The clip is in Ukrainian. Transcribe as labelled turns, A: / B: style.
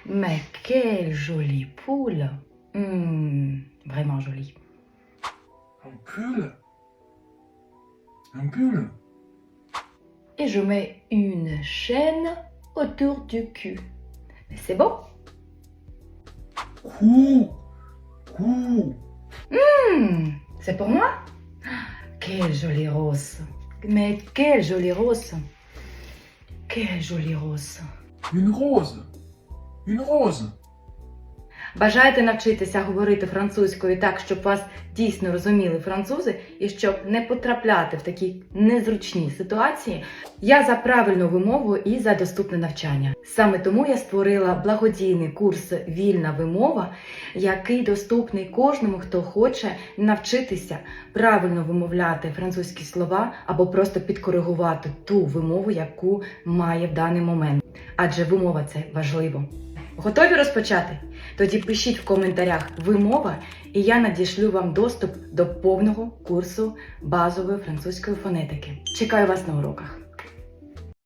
A: Mais quelle jolie poule. Vraiment jolie.
B: Un pull. Un pull.
A: Et je mets une chaîne autour du cul. Mais c'est beau.
B: Cou. Cou.
A: C'est pour moi? Quelle jolie rose. Mais quelle jolie rose. Quelle jolie rose.
B: Une rose. Une rose.
A: Бажаєте навчитися говорити французькою так, щоб вас дійсно розуміли французи і щоб не потрапляти в такі незручні ситуації? Я за правильну вимову і за доступне навчання. Саме тому я створила благодійний курс «Вільна вимова», який доступний кожному, хто хоче навчитися правильно вимовляти французькі слова або просто підкоригувати ту вимову, яку має в даний момент. Адже вимова – це важливо. Готові розпочати? Тоді пишіть в коментарях «вимова» і я надішлю вам доступ до повного курсу базової французької фонетики. Чекаю вас на уроках.